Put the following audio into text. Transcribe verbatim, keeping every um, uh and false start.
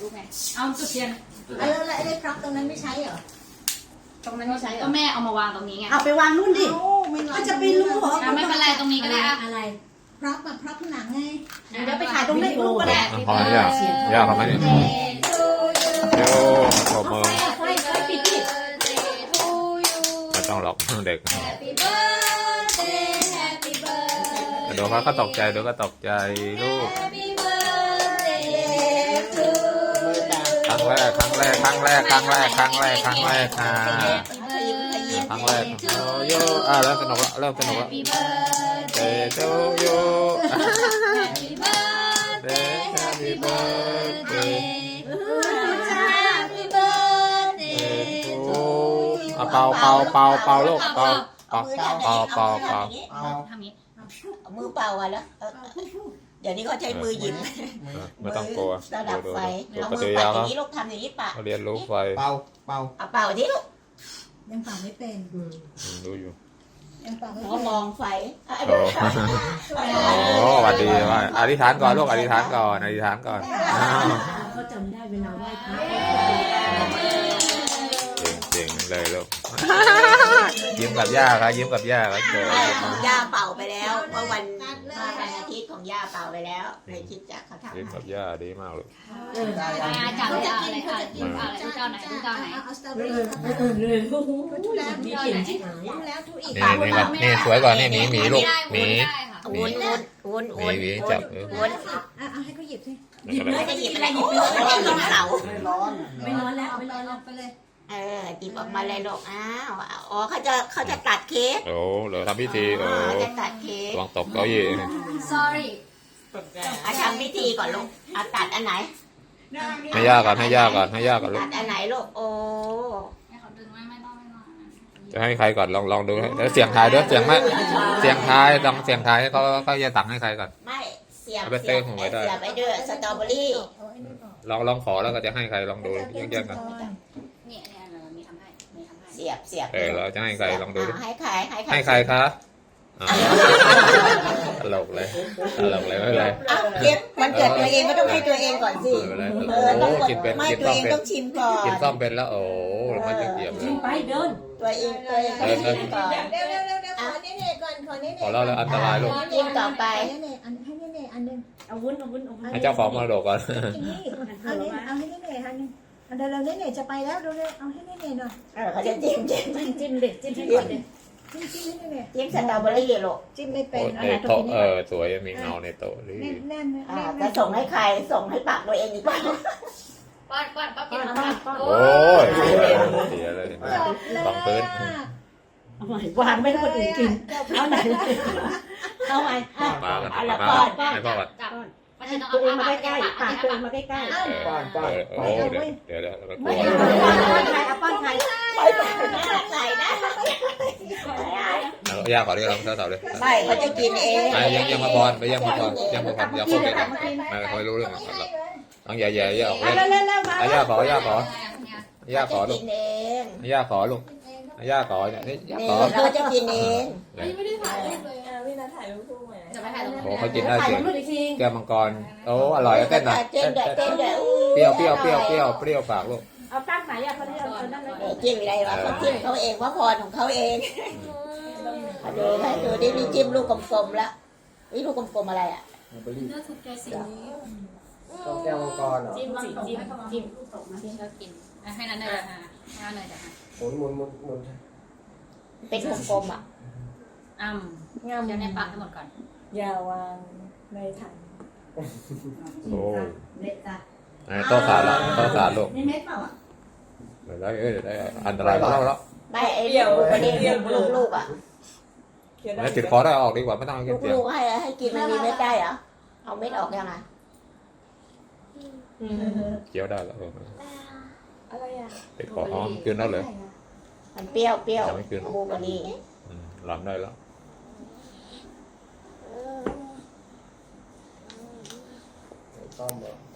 ไงเอาจุดเทียนแล้วแล้วไอ้พร็อพตรงนั้นไม่ใช้เหรอตรงนั้นไม่ใช้เหรอก็แม่เอามาวางตรงนี้ไงเอาไปวางนู่นดิก็จะไปรู้เหรอไม่เป็นไรตรงนี้ก็ได้อะอะไรพร็อพแบบพร็อพหนังไงเดี๋ยวไปถ่ายตรงนี้รูปก็ได้พอแล้วยากยากทำไมเนี่ยโย่ขอบมือไฟไฟปิดดิไม่ต้องหรอกเด็กเดี๋ยวเขาก็ตกใจเดี๋ยวก็ตกใจลูกครั้งแรกครั้งแรกครั้งแรกครั้งแรกครั้งแรกครั้งแรกค่ะครั้งแรกโอ้โย่อ่ะเริ่มสนุกแล้วเริ่มสนุกแล้วเตโตโย่เตแฮปปี้เบิร์ดเดย์เอาเป่าเป่าเป่าเป่าลูกเป่าเป่าเป่าเป่าเป่าทำนี้เอามือเป่าอ่ะแล้วเดี๋ยวนี้เขาใช้มือหยิบไม่ต้องกลัวระดับไฟดูเอาปมืฏิอกิริปัยาดอเขาย่างนี้ลูกทำอย่างนี้ปะเรียนรู้ไฟเป่าเป่าเอาเป่าที่ลูกยังเป่าไม่เป็นรู้อยู่ยังเป่าไม่เขาเป็นมองไฟโอ้โหสวัสดีว่าอธิษฐานก่อนลูกอธิษฐานก่อนอธิษฐานก่อนเขาจำได้เวลาไหว้พระเจ๋งๆเลยลูกยิ้มกับย่าครับยิ้มกับย่าครับเจอย่าเป่าไปแล้วเมื่อวันวันอาทิตย์ของย่าเป่าไปแล้วเลยคิดจะเขาทำยิ้มกับย่าดีมากเลยอาจับเลยอะไรอ่ะยิ้มอะไรลูกเจ้าไหนลูกเจ้าไหนเอาสตรอเบเอออรี่เออเออเลยโอ้โหทุแล้วมีเก่งที่ไหนทุแล้วทุอีกนี่นี่ก่อนนี่สวยก่อนนี่หมีหมีลูกหมีวุ้นวุ้นวุ้นหมีวุ้นหมีจับเออวุ้นเอาให้เขาหยิบสิไม่ได้หยิบอะไรหยิบไปเลยหยิบเสาไม่ร้อนไม่ร้อนแล้วไม่ร้อนแล้วไปเลยเออหยิบออกมาเลยลูกอ้าวอ๋อเขาจะเขาจะตัดเค้กโอ้เหลือทำพิธีอ๋โอ้อจะตัดเค้กวางตกเก้าอี้ sorry เอาทำพิธีก่อนลูกเอาตัดอันไหนให้ย่าก่อนให้ย่าก่อนให้ย่าก่อนลูตักดอันไหนลูกโอ้ให้เขาดึงไม่ไม่ต้องไม่ต้องจะให้ใครก่อนลองลองดูแล้วเสียงทายด้วยเสียงไหมเสียงทายต้องเสียงทายให้เขาเขาจะตักให้ใครก่อนไม่เสียบเอาไปเสีเต้ยนบหัวไว้ได้เสียบไปด้วยสตรอเบอรี่ลองลองขอแล้วก็จะให้ใครลองดูแยกๆกันเนี่ยเนี่ยเรามีทำให้มีทำให้เสียบเสียบเออเราจะให้ใครลองดูดิาให้ใครให้ใครให้ใครคะอ่าตลกเลยตลกเลยไม่เป็นไรอ่ะเค้กวันเกิดตัวเองก็ต้องให้ตัวเองก่อนสิไม่เป็นไรเออต้องโอ้กินเป็นไม่กินตัวซ่อมเองเป็นต้องชิมก่อนกินซ่อมเป็นแล้วโอ้มันจะเกียบเลยไปเดินตัวเองตัวเองต้องชิมก่อนเร็วเร็วเร็วเร็วขอเน่ๆก่อนขอเน่ๆขอเล่าแล้วอันตรายลูกชิมต่อไปเน่ๆอันให้เน่ๆอันนึงเอาวุ้นเอาวุ้นเอาวุ้นให้เจ้าของมรดกก่อนนี่เอาเน่เอาให้เน่ๆอันนึงเอาเดี๋ยวเราเน่ๆจะไปแล้วเร็วๆเอาให้เน่ๆหน่อยเออเขาจะจิ้มจิ้มจิ้มจิ้มเด็ดจิ้มให้ก่อนเด็ดจิ้มจิ้มให้เน่จิ้มสตรอเบอรี่ลูกๆจิ้มไม่เป็นโอ้ในโต๊ะเออสวยมีเงาในโต๊ะดีแน่นแน่นอ่าจะส่งให้ใครส่งให้ปากตัวเองดีกว่าป้อนป้อนป้อนกินป้อนป้อนโอ้ยเสียเลยสองพื้นเอาใหม่วางไม่ให้คนอื่นกินเอาไหนเอาใหม่มากันเอาละมาก่อนให้พ่อก่อนจับไม่ใช่ต้องตัวเองเอามาปากใกล้ๆปากตัวเองมาใกล้ๆเออโอ้เดี๋ยวเดี๋ยวเดี๋ยวกลัไม่วเอาใครเอาป้อนใครไปไปใส่นะยากกว่านี้เราเท่าเท่าเลยไม่เขาจะกินเองไปยังยังมาบอลไปยังมาบอลยังมาบอลอย่าพูดไปกันไม่ค่อยรู้เรื่องอะไรต้องอย่าอย่าอย่าออกเล่นเร็วเร็วเร็วมาย่าขอย่าขอเนี่ยย่าขอลูกิกนเองย่าขอลูกย่าขอเนี่ยย่านี่ขอเราจะกินเองจะไปถ่ายตรงโอ้นี้เขากินได้ถ่ายเก่งรูปอีกทีแก้วมังกรโอ้อร่อยเต้นหน่อยเต้นด้วยเต้นด้วยเปรี้ยวเปรี้ยวเปรี้ยวเปรี้ยวเปรี้ยวปากลูกเอาตั้งไหนอ่ะเขาได้เอานั่นเลยจิ้มอะไรวะเขาจิ้มเขาเองว่าพรของเขาเองดูให้ดูดิมีจิ้มลูกกลมๆแล้วนี่ลูกกลมๆอะไรอ่ะเบอร์รี่เลือกถูกใจสีนี้ต้องแก้วมังกรเหรอจิ้มจิ้มจิ้มจิ้มที่ชอบกินให้นั้นเลยค่ะให้นั้นเลยจ้ะหมุนหมุนหมุนหมุนเป็นกลมๆอ่ะอ้ำเดี๋ยวในปากให้หมดก่อนอย่าวางในถังโอ้เด็ดจ้ะโต๊ะขาดละโต๊ะขาดลูกนี่เม็ดเปล่าอ่ะเดี๋ยวได้เอ้ยเดี๋ยวได้อันตรายมากแล้วไม่ไอ้ลูกประเด็นลูกๆอ่ะแล้วติดคอได้ออกดีกว่าไม่ต้องกินเสียงลูกๆให้ให้กินมันมีเม็ดได้เหรอเอาเม็ดออกยังไงเคี้ยวได้แล้วอะไรอ่ะติดคออ๋อกินได้เลยมันเปรี้ยวเปรี้ยวยังไม่กินบลูเบอร์รี่หลับได้แล้วต้อมเหรอ